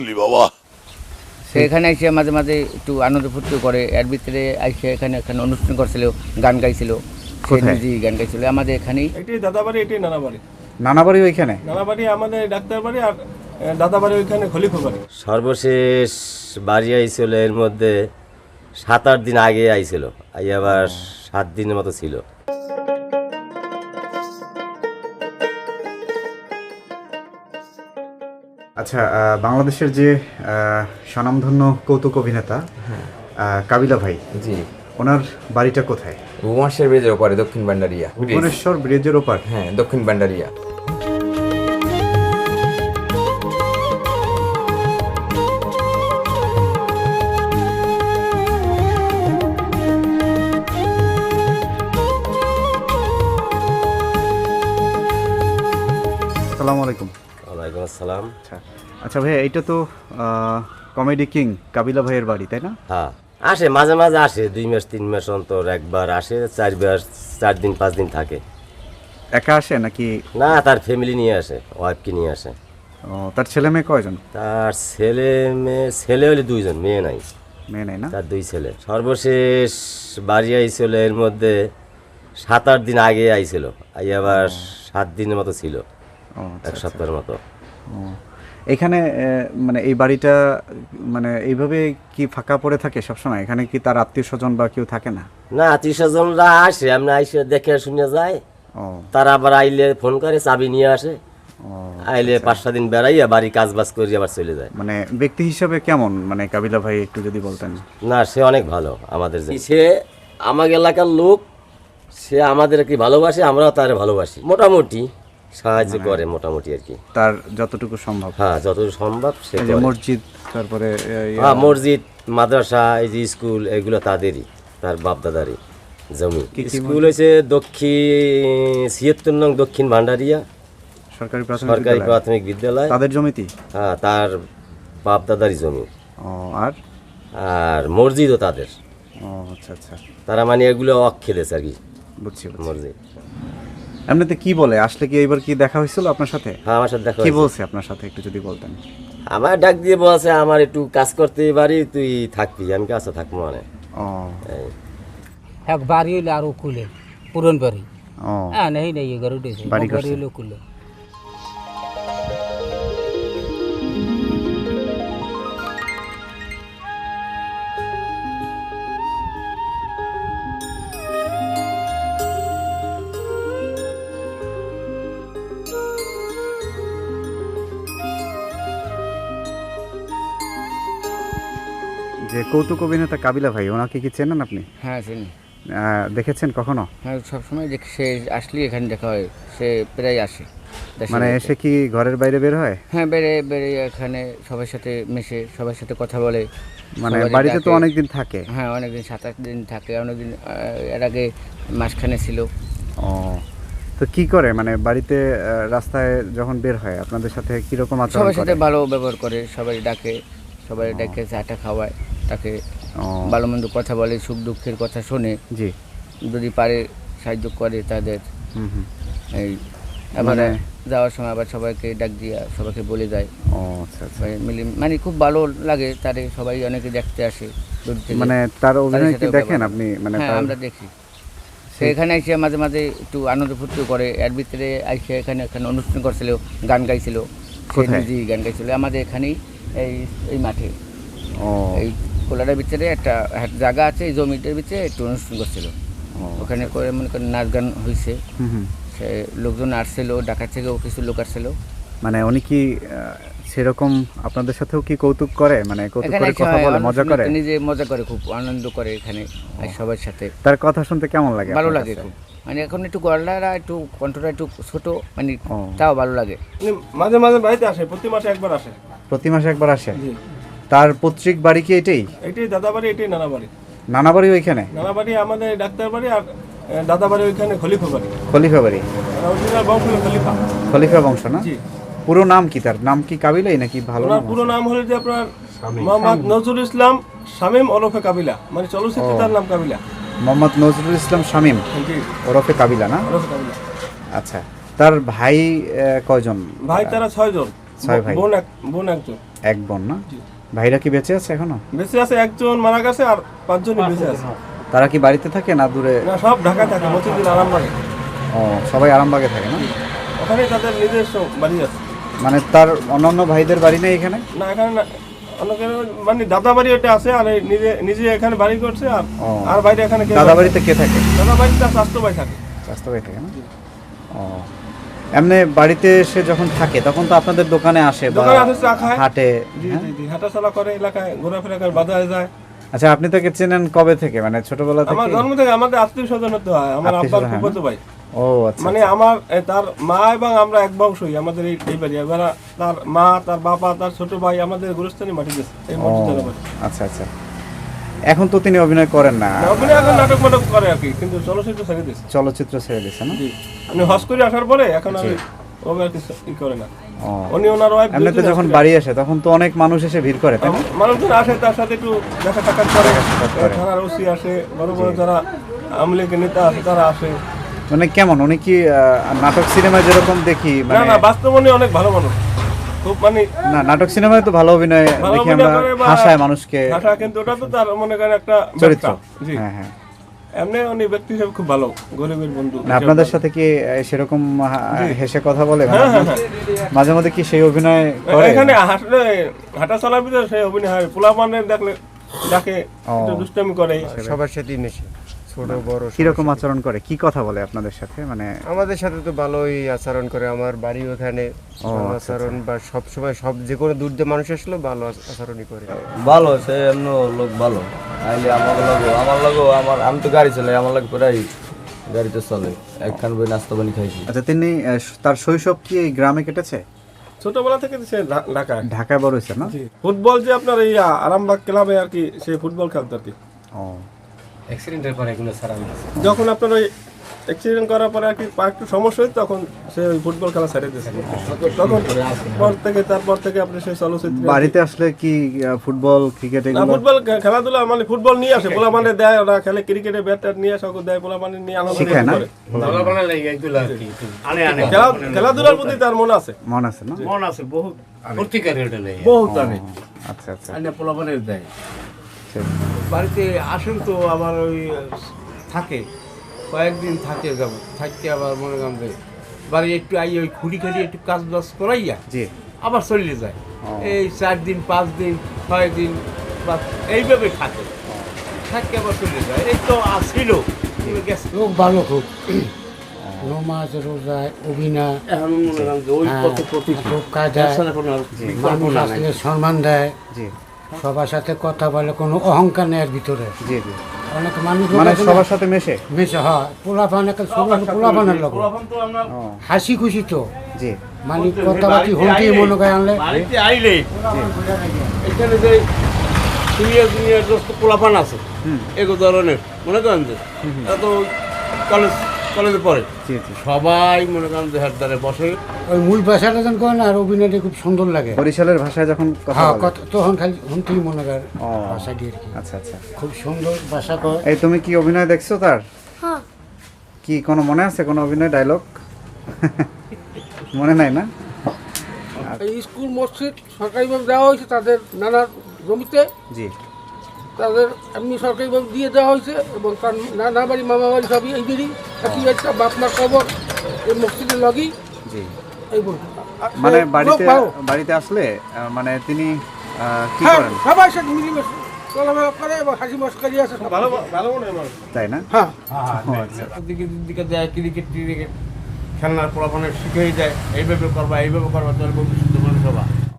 বাবা সেখানে এসে মাঝে মাঝে একটু আনন্দ ফুর্তি করে, এর ভিতরে এসে এখানে অনুষ্ঠান করছিল, গান গাইছিল। কোথায়? গান গাইছিল আমাদের এখানেই। এটাই দাদাবাড়ি, এটাই নানাবাড়ি। নানাবাড়ি ওইখানে? নানাবাড়ি আমাদের ডাক্তার বাড়ি, আর দাদাবাড়ি ওইখানে খলিফা বাড়ি। সর্বশেষ বাড়ি আইছিল এর মধ্যে 7-8 দিন আগে আইছিল, আবার 7 দিনের মতো ছিল। আচ্ছা, বাংলাদেশের যে স্বনামধন্য কৌতুক অভিনেতা কাবিলা ভাই, জি, ওনার বাড়িটা কোথায়? ভুবনেশ্বর ব্রিজের ওপারে, দক্ষিণ ভান্ডারিয়া। ভুবনেশ্বর ব্রিজের ওপার? হ্যাঁ, দক্ষিণ ভান্ডারিয়া। আসসালামু আলাইকুম। ওয়ালাইকুম আসসালাম। আচ্ছা ভাইয়া, এইটা তো কমেডি কিং কাবিলা ভাইয়ের বাড়ি, তাই না? হ্যাঁ, আসে মাঝে মাঝে, আসে 2 মাস 3 মাস অন্তর একবার আসে, 4 দিন 5 দিন থাকে। একা আসে নাকি? না, তার ফ্যামিলি নিয়ে আসে, ওয়াইফকে নিয়ে আসে। ও, তার ছেলে মেয়ে কয়জন? তার ছেলে হলে 2 জন, মেয়ে নাই। মেয়ে নেই না? তার 2 ছেলে। সর্বশেষ বাড়ি আইছিল এর মধ্যে 7-8 দিন আগে আইছিল, আবার 7 দিনের মতো ছিল, ও, 1 সপ্তাহের মতো। ও, এখানে মানে এই বাড়িটা মানে এইভাবে কি ফাঁকা পড়ে থাকে সবসময়? এখানে কি তার আত্মীয় স্বজন বা কেউ থাকে না? না, আত্মীয় স্বজনরা আসে, আমরা আইসে দেখে শুনে যায়। ও, তারা আবার আইলে ফোন করে, চাবি নিয়ে আসে। ও, আইলে 5-6 দিন বেড়াইয়া বাড়ি কাজ বাজ করি আবার চলে যায়। মানে ব্যক্তি হিসাবে কেমন, মানে কাবিলা ভাই একটু যদি বলতেন। না, সে অনেক ভালো আমাদের। সে আমাদের এলাকার লোক, সে আমাদেরকে ভালোবাসে, আমরাও তারে ভালোবাসি। মোটামুটি সাহায্য করে, মোটামুটি আর কি, তার যতটুকু সম্ভব। হ্যাঁ, যতটুকু সম্ভব সে এই যে করে। মসজিদ, তারপরে হ্যাঁ, মসজিদ, মাদ্রাসা, এই যে স্কুল, এগুলো তাদেরই, তার বাপদাদারই জমি। কি কি স্কুল হয়েছে 76 নং দক্ষিণ ভান্ডারিয়া সরকারি সরকারি প্রাথমিক প্রাথমিক বিদ্যালয়। তাদের জমিতেই? হ্যাঁ, তার বাপদাদারই জমি। ও, আর আর মসজিদও তাদের। ও, আচ্ছা আচ্ছা, তারা মানে এগুলো খেলেছে আর কি, বুঝছি বুঝছি। মসজিদ। এমনিতে কি বলে, আসলে কি এবার কি দেখা হয়েছিল আপনার সাথে? হ্যাঁ, আমার সাথে দেখা কি হয়েছে। বলছে আপনার সাথে একটু যদি বলতেন। আমার ডাক দিয়ে বলছে, আমার একটু কাজ করতে পারি, তুই থাকবি। আমি কাছে থাকবো মানে। ও, এই। এক বাড়ি হইলে আরো কুলে পুরন বাড়ি। ও, হ্যাঁ, নেই নেই ঘর উঠেছে, বাড়ি বাড়ি করছে। হইলে কুলে। যে কৌতুক অভিনেতা কাবিলা ভাই, ওনাকে কি চেনেন আপনি? হ্যাঁ চিনি। দেখেছেন কখনো? হ্যাঁ, সবসময় দেখি, সে আসলেই এখানে দেখা হয়, সে প্রায় আসে দেশের মানে বাড়িতে। এসে কি ঘরের বাইরে বের হয়? হ্যাঁ, বেড়ে বেড়ে এখানে সবার সাথে মেশে, সবার সাথে কথা বলে। মানে সবারই বাড়িতে তো ডাকে। অনেকদিন থাকে। হ্যাঁ, অনেকদিন 7-8 দিন থাকে, অনেকদিন এর আগে মাসখানে ছিল। ও, তো কি করে মানে বাড়িতে রাস্তায় যখন বের হয় আপনাদের সাথে কিরকম আচরণ সবার সাথে করে? ভালো ব্যবহার করে, সবাই ডাকে, সবাই ডেকে চাটা খাওয়ায়, তাকে ও, ভালো মন্দ কথা বলে, সুখ দুঃখের কথা শোনে, জি, যদি পারে সাহায্য করে তাদের। হুম হুম। এই আবার মানে- যাওয়ার সময় আবার সবাইকে ডাক দিয়া সবাইকে বলে যায়। ও, আচ্ছা আচ্ছা। সবাই মিলে মানে খুব ভালো লাগে তারে, সবাই অনেকে দেখতে আসে দূর থেকে। মানে তার অভিনয় কি সাথেও দেখেন ব্যবহার আপনি? মানে হ্যাঁ, তার- আমরা দেখি। সে এখানে এসে মাঝে মাঝে একটু আনন্দ ফুর্তি করে, এর ভিতরে এসে এখানে অনুষ্ঠান করছিল, গান গাইছিল। সে কোথায়? নিজেই গান গাইছিল আমাদের এখানেই, এই এই মাঠে, ও, এই কোলারের ভিতরে একটা জায়গা আছে, এই জমিটার ভিতরে একটু অনুষ্ঠান করছিল। ও, ওখানে করে মনে করেন নাচ গান হয়েছে, হুম হুম। সে লোকজন আসছিল, ঢাকা থেকেও কিছু লোক আসছিল। মানে উনি কি সেরকম আপনাদের সাথেও কি কৌতুক করে, মানে কৌতুক এখানে করে কথা বলে, মজা করে? নিজে মজা করে, খুব আনন্দ করে এখানে আর সবার সাথে। তার কথা শুনতে কেমন লাগে ভালো আপনার লাগে কাছে? খুব, মানে এখন একটু গলাটা একটু কণ্ঠটা একটু ছোট, মানে ও। তাও ভালো লাগে। উনি মাঝে মাঝে বাড়িতে আসে, প্রতি মাসে একবার আসে। প্রতি মাসে একবার আসে? জি, তার পৈতৃক বাড়ি কি এটাই? এটাই দাদাবাড়ি, এটাই নানাবাড়ি। নানাবাড়ি ওইখানে? নানাবাড়ি আমাদের ডাক্তার বাড়ি, আর দাদাবাড়ি ওইখানে খলিফা বাড়ি। খলিফা বাড়ি? অরিজিনাল বংশ হলো খলিফা। খলিফা বংশ না? জি। পুরো নাম কি তার? নাম কি কাবিলাই নাকি ভালো ওনার নাম পুরো আছে? নাম হলো যে আপনার মোহাম্মদ নজরুল ইসলাম শামীম ওরফে কাবিলা, মানে চলচ্চিত্রে তার নাম কাবিলা। মোহাম্মদ নজরুল ইসলাম শামীম জি, ওরফে কাবিলা না? ওরফে কাবিলা। আচ্ছা, তার ভাই কয়জন? ভাই তারা 6 জন, 6 ভাই। বোন একজন। এক বোন না? ভাইরা কি বেঁচে আছে এখনো? বেঁচে আছে, একজন মারা গেছে আর 5 জনই বেঁচে আছে। তারা কি বাড়িতে থাকে না দূরে? না, সব ঢাকা থাকে, মতিঝিল আরামবাগে। ও, সবাই আরামবাগে থাকে না? ওখানে তাদের নিজস্ব বাড়ি আছে। মানে তার অন্যান্য ভাইদের বাড়ি নেই এখানে? না, এখানে না, অনেকের মানে দাদা বাড়ি ওটা আছে, আর এই নিজে নিজে এখানে বাড়ি করছে। আর ও। আর বাইরে এখানে দাদা বাড়িতে কে থাকে? দাদা বাড়িতে তার স্বাস্থ্য ভাই থাকে। স্বাস্থ্য ভাই থাকে না? ও, এমনি বাড়িতে এসে যখন থাকে তখন তো আপনাদের দোকানে আসে বা দোকানে আসে, চা খায়। হাটে? জি হ্যাঁ? জি জি, হাঁটাচলা করে, এলাকায় ঘোরাফেরা করে, বাজারে যায়। আচ্ছা, আপনি তাকে চেনেন কবে থেকে, মানে ছোটবেলা আমার থেকে? জন্ম থেকে আমাদের আত্মীয় স্বজন হতে হয়, আমার আত্মীয় আব্বার স্বজন, হ্যাঁ, ফুফাতো ভাই। ও আচ্ছা। মানে আমার তার মা এবং আমরা এক বংশই, আমাদের এই বাড়ি। এবার তার মা, তার বাবা, তার ছোট ভাই আমাদের গুরুস্থানী মাটি গেছে এই ও, মসজিদের বাড়ি। আচ্ছা আচ্ছা। এখন তো তিনি অভিনয় করেন না, অভিনয় এখন নাটক মাটক করে আর কি, কিন্তু চলচ্চিত্র ছেড়ে দিয়েছে। চলচ্চিত্র ছেড়ে দিয়েছে না? জি, আপনি হজ করে আসার পরে এখন আর ও আর কিছু ই করে না। ও, উনি ওনার ওয়াইফ এমনিতে যখন বাড়ি আসে তখন তো অনেক মানুষ এসে ভিড় করে, তাই না? মানুষজন আসে, তার সাথে একটু দেখা সাক্ষাৎ করে। সাক্ষাৎ করে। থানার ওসি আসে, বড় বড় যারা আওয়ামী লীগের নেতা আছে তারা আসে। মানে কেমন উনি কি নাটক সিনেমায় যেরকম দেখি, না মানে না, বাস্তব উনি অনেক ভালো মানুষ, খুব মানে না, নাটক সিনেমায় তো ভালো অভিনয় ভালো দেখি অভিনয় আমরা, করে বা হাসায় মানুষকে, ভাষা, কিন্তু ওটা তো তার মনে করেন একটা চরিত্র। ব্যবসা। জি, হ্যাঁ হ্যাঁ। এমনি উনি ব্যক্তি হিসেবে খুব ভালো, গরিবের বন্ধু। না, আপনাদের সাথে কি সেরকম হেসে কথা বলে? মানে হ্যাঁ, হ্যাঁ, মাঝে মধ্যে কি সেই অভিনয় করে? এখানে হাঁটলে হাঁটা চলার ভিতরে সেই অভিনয় হয়, পোলাপানের দেখলে ডাকে, একটু দুষ্টামি করে। সবার সাথেই মেশে, ছোট বড় কিরকম আচরণ করে, কি কথা বলে আপনাদের সাথে? মানে আমাদের সাথে তো ভালোই আচরণ করে। আমার বাড়ি ওখানে, ভালো আচ্ছা, আচরণ, বা সব সময় সব যে কোনো দূর দিয়ে মানুষ আসলে ভালো আচরণই করে। ভালো, সে এমন লোক ভালো। আইলে আমি তো গাড়ি চালাই, আমার লাগে প্রায় গাড়িতে চলে, একখান বই নাস্তা পানি খাইছি। আচ্ছা, তিনি তার শৈশব কি এই গ্রামে কেটেছে? ছোটবেলা থেকে সে ঢাকায়। ঢাকায় বড় হয়েছে না? জি, ফুটবল যে আপনার এই আরামবাগ ক্লাবে আর কি, সে ফুটবল খেলতো আর কি। ও, অ্যাক্সিডেন্টের পরে এগুলো ছাড়া হয়েছে। যখন আপনার ওই অ্যাক্সিডেন্ট করার পরে আর কি পা একটু সমস্যা হয়, তখন সে ওই ফুটবল খেলা ছেড়ে দিয়েছে। তখন তারপর থেকে আপনি সেই চলচ্চিত্র বাড়িতে আসলে কি ফুটবল ক্রিকেট না, এগুলো? ফুটবল খেলাধুলা মানে ফুটবল নিয়ে আসে, পোলা মানে দেয়, ওরা খেলে ক্রিকেটে ব্যাট ট্যাট নিয়ে আসে, ওকে দেয়, পোলা মানে নিয়ে আনন্দ শিখায় না? করে। খেলাধুলার প্রতি তার মন আছে। মন আছে না? মন আছে বহুত, সত্যিকারের এটা নেই। বহুত অনেক আচ্ছা আচ্ছা। পোলাপানের দেয়। ঠিক। বাড়িতে আসেন তো আবার ওই থাকে, কয়েকদিন থাকে, যাব থাকতে আবার মনে করেন যে বাড়ি একটু আই ওই খুঁড়ি খালি একটু কাজ বাজ করাইয়া জি। আবার চলে যায়। ও। এই 4 দিন 5 দিন 6 দিন বা এইভাবে থাকে, থাকে আবার চলে যায়। এই তো আসছিল গেছে। লোক ভালো খুব, নমাজ রোজা অভিনয়, এখন মনে করেন যে ওই পথে প্রতি খুব কায়দায় মানুষ আসলে সম্মান দেয়, জি সবার সাথে কথা বলে, কোনো অহংকার নেই এর ভিতরে। জি জি। অনেক মানুষ মানে সবার সাথে মেশে? মেশে হয়, পোলাপান পোলাপানের লোক ও, হাসি খুশি তো, জি মানে কথাবার্তি হলটি মনে করে আনলে বাড়িতে আইলে এখানে যে সিনিয়র জুনিয়র দোস্ত পোলাপান আছে, এগো ধরনের মনে করেন যে এরা তো কলেজে পড়ে, জি জি। সবাই মনে করেন যে হাত দ্বারে বসে। ওই মূল ভাষাটা যখন করেন আর অভিনয়টা খুব সুন্দর লাগে। বরিশালের ভাষায় যখন কথা হ্যাঁ, বলে? তখন খালি শুনতেই মনে করে ও, ভাষা দিয়ে আর কি, আচ্ছা আচ্ছা। খুব সুন্দর ভাষা কয়। এই তুমি কি অভিনয় দেখছো তার? কি কোনো মনে আছে কোনো অভিনয় ডায়লগ? মনে নাই না? এই স্কুল মসজিদ সরকারিভাবে দেওয়া হয়েছে তাদের নানা জমিতে, জি তাদের এমনি সরকারিভাবে দিয়ে দেওয়া হয়েছে, এবং তার নানা বাড়ি মামা বাড়ি সবই এইদেরই, একই একটা বাপ মার খবর এই মসজিদের লগেই। জি। এই বলবো মানে বাড়িতে আসলে মানে তিনি কি হ্যাঁ, করেন সবাই সাথে মিলেমিশে চলাফেরা করে এবং হাসি মস্কারি আছে সব। ভালো ভালো মনে হয় মানুষ। তাই না? হ্যাঁ, ও, আচ্ছা। দিকে দেয় ক্রিকেট খেলনার পোলাপানের শিখেই দেয়, এইভাবে করবা এইভাবে করবা, তোর ভবিষ্যৎ মানুষ হবা।